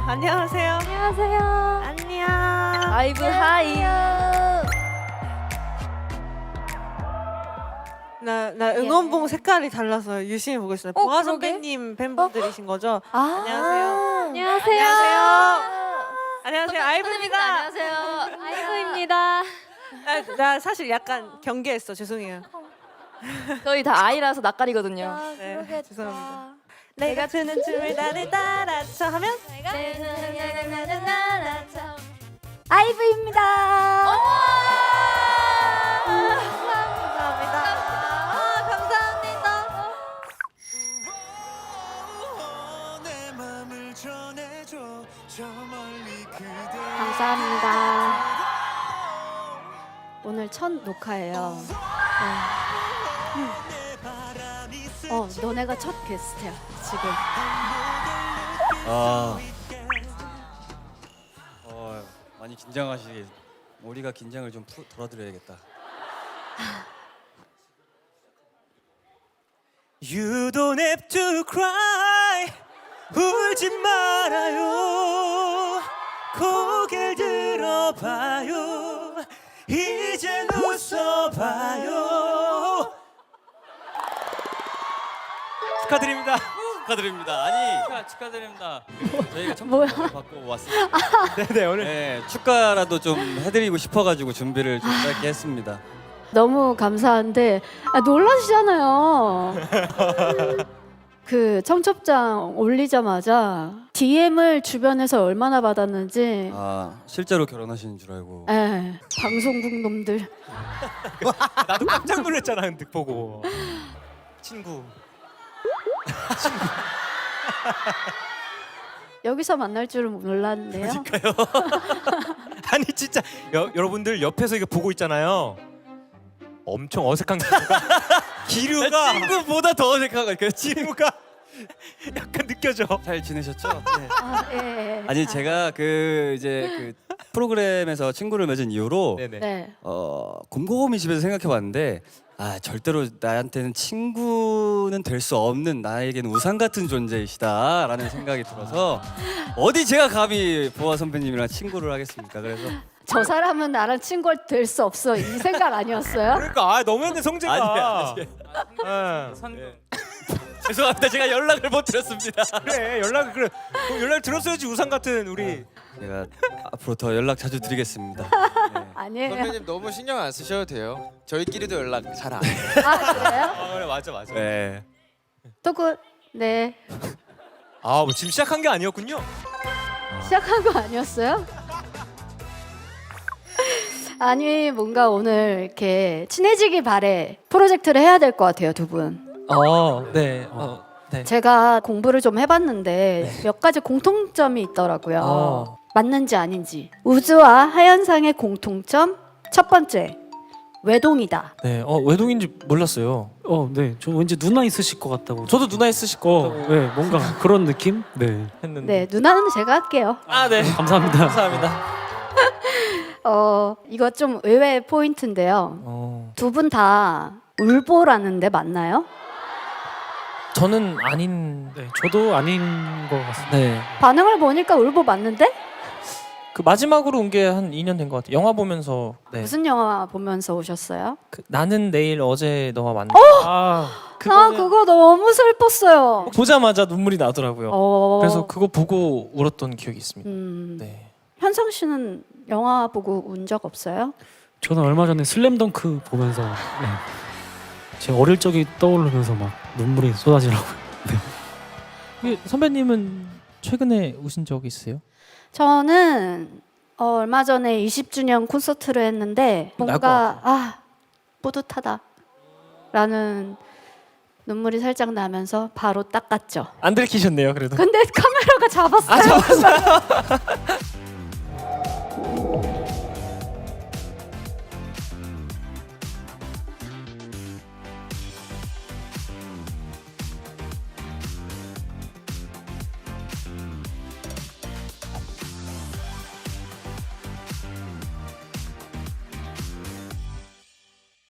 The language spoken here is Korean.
안녕하세요. 안녕하세요. 안녕. 아이브 하이. 나 응원봉 색깔이 달라서 유심히 보고 있어요. 보아 그러게. 선배님 팬분들이신 거죠? 아, 안녕하세요. 안녕하세요. 안녕하세요. 아이브입니다. 안녕하세요. 아이브입니다. 나 사실 약간 경계했어. 죄송해요. 저희 다 아이라서 낯가리거든요. 네, 죄송합니다. 내가 추는 춤을 나를 따라쳐 하면 아이브입니다. 감사합니다. 감사합니다. 감사합니다. 오늘 첫 녹화예요. 너네가 첫 게스트야 지금. 많이 긴장하시게. 우리가 긴장을 좀 덜어드려야겠다. You don't have to cry. 울지 말아요. 고개를 들어봐요. 이젠 웃어봐요. 축하드립니다. 축하드립니다. 아니 축하드립니다. 저희가 뭐야? 청첩장을 받고 왔습니다. 네네 오늘 네, 축가라도 좀 해드리고 싶어가지고 준비를 좀 짧게 했습니다. 너무 감사한데 놀라시잖아요. 그 청첩장 올리자마자 DM을 주변에서 얼마나 받았는지. 실제로 결혼하시는 줄 알고. 예, 방송국 놈들. 나도 깜짝 놀랐잖아 득 보고. 친구. 여기서 만날 줄은 몰랐는데요. 아니 진짜 여러분들 옆에서 이거 보고 있잖아요. 엄청 어색한 기류가 친구보다 더 어색한 거예요. 기류가 약간 느껴져. 잘 지내셨죠? 네. 예. 아니 제가 그 프로그램에서 친구를 맺은 이후로 네네. 네. 곰곰이 집에서 생각해봤는데 절대로 나한테는 친구는 될 수 없는, 나에게는 우상 같은 존재이시다라는 생각이 들어서 어디 제가 감히 보아 선배님이랑 친구를 하겠습니까? 그래서 저 사람은 나랑 친구 될 수 없어 이 생각 아니었어요? 그러니까 너무했네 성재가. 아니. 예. 죄송합니다. 제가 연락을 못 드렸습니다. 그래 그럼 연락 들었어야지 우상 같은 우리. 제가 앞으로 더 연락 자주 드리겠습니다. 네. 아니에요. 선배님 너무 신경 안 쓰셔도 돼요. 저희끼리도 연락 잘 안 해요. 아 그래요? 그래 맞아. 네. 네. 뭐 지금 시작한 게 아니었군요. 시작한 거 아니었어요? 아니 뭔가 오늘 이렇게 친해지기 바래 프로젝트를 해야 될 것 같아요 두 분. 네. 제가 공부를 좀 해봤는데 몇 가지 공통점이 있더라고요. 맞는지 아닌지. 우주와 하현상의 공통점 첫 번째, 외동이다. 네. 외동인지 몰랐어요. 네. 저 왠지 누나 있으실 것 같다고. 저도 누나 있으실 것 같다고 네, 뭔가 그런 느낌? 네. 했는데. 네, 누나는 제가 할게요. 네. 감사합니다. 감사합니다. 이거 좀 의외의 포인트인데요. 두 분 다 울보라는데 맞나요? 저는 아닌. 네, 저도 아닌 것 같습니다. 네. 반응을 보니까 울보 맞는데? 그 마지막으로 온 게 한 2년 된 것 같아요. 영화 보면서. 네. 무슨 영화 보면서 오셨어요? 그 나는 내일 어제 너와 만나. 나 그거 너무 슬펐어요. 보자마자 눈물이 나더라고요. 그래서 그거 보고 울었던 기억이 있습니다. 네. 현상 씨는 영화 보고 운 적 없어요? 저는 얼마 전에 슬램덩크 보면서 제 어릴 적이 떠오르면서 막 눈물이 쏟아지더라고요. 선배님은 최근에 우신 적 있으세요? 저는 얼마 전에 20주년 콘서트를 했는데 뭔가 뿌듯하다라는 눈물이 살짝 나면서 바로 닦았죠. 안 들키셨네요, 그래도. 근데 카메라가 잡았어요.